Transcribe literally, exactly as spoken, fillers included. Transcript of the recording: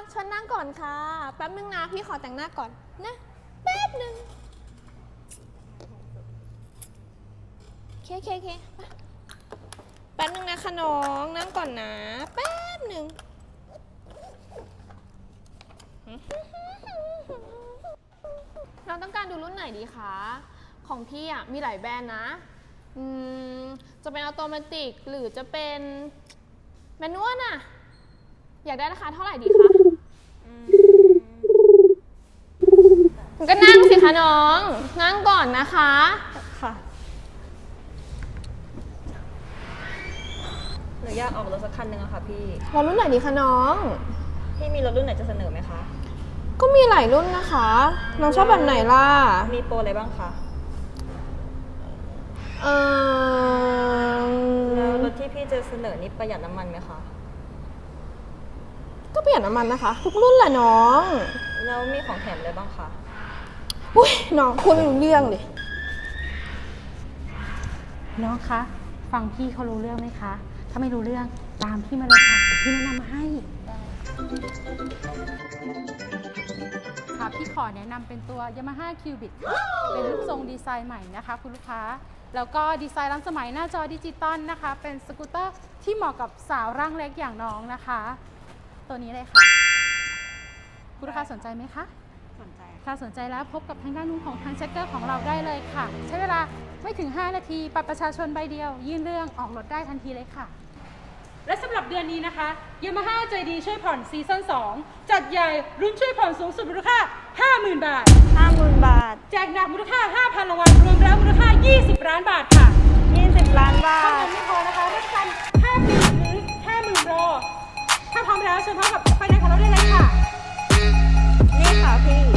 เชิญนั่งก่อนค่ะแป๊บนึงนะพี่ขอแต่งหน้าก่อนนะแป๊บนึงเคเคเคแป๊บนึงนะคะน้องนั่งก่อนนะแป๊บนึงเราต้องการดูรุ่นไหนดีคะของพี่อ่ะมีหลายแบรนด์นะอืมจะเป็นออโตเมติกหรือจะเป็นแมนนวลน่ะอยากได้ราคาเท่าไหร่ดีคะก็นั่งสิคะน้องนั่งก่อนนะคะค่ะหนูอยากออกรถสักคันหนึ่งอะค่ะพี่รถรุ่นไหนดีคะน้องพี่มีรถรุ่นไหนจะเสนอไหมคะก็มีหลายรุ่นนะคะน้องชอบแบบไหนล่ะมีโปรอะไรบ้างคะเออแล้วรถที่พี่จะเสนอนี่ประหยัดน้ำมันไหมคะก็ประหยัดน้ำมันนะคะทุกรุ่นแหละน้องแล้วมีของแถมอะไรบ้างคะอุ้ยน้องพูดไม่รู้เรื่องเลยน้องคะฟังพี่เขารู้เรื่องไหมคะถ้าไม่รู้เรื่องตามพี่มาเลยค่ะพี่แนะนำมาให้ค่ะพี่ขอแนะนำเป็นตัว Yamaha Cubic ค่ะเป็นรูปทรงดีไซน์ใหม่นะคะคุณลูกค้าแล้วก็ดีไซน์ล้ำสมัยหน้าจอดิจิตอลนะคะเป็นสกูตเตอร์ที่เหมาะกับสาวร่างเล็กอย่างน้องนะคะตัวนี้เลยค่ะคุณลูกค้าสนใจไหมคะสนใจค่ะสนใจแล้วพบกับทางด้านนู้นของทางเช็คเกอร์ของเราได้เลยค่ะใช้เวลาไม่ถึงห้านาทีบัตรประชาชนใบเดียวยื่นเรื่องออกรถได้ทันทีเลยค่ะและสำหรับเดือนนี้นะคะ Yamaha ใจดีช่วยผ่อนซีซั่นสองจัดใหญ่รุ่นช่วยผ่อนสูงสุดมูลค่า ห้าหมื่น บาทห้าหมื่น บาทแจกหนักมูลค่า ห้าพัน รางวัลรวมแล้วมูลค่า ยี่สิบ ล้านบาทค่ะยี่สิบ ล้านบาเท่าทนั้นไม่พอนะคะรับประกันห้าปีหรือ ห้าหมื่น โปรถ้าพร้อมแล้วเชิญพร้อมกับไฟแนนซ์ของเราได้เลยค่ะนี่ค่ะพี่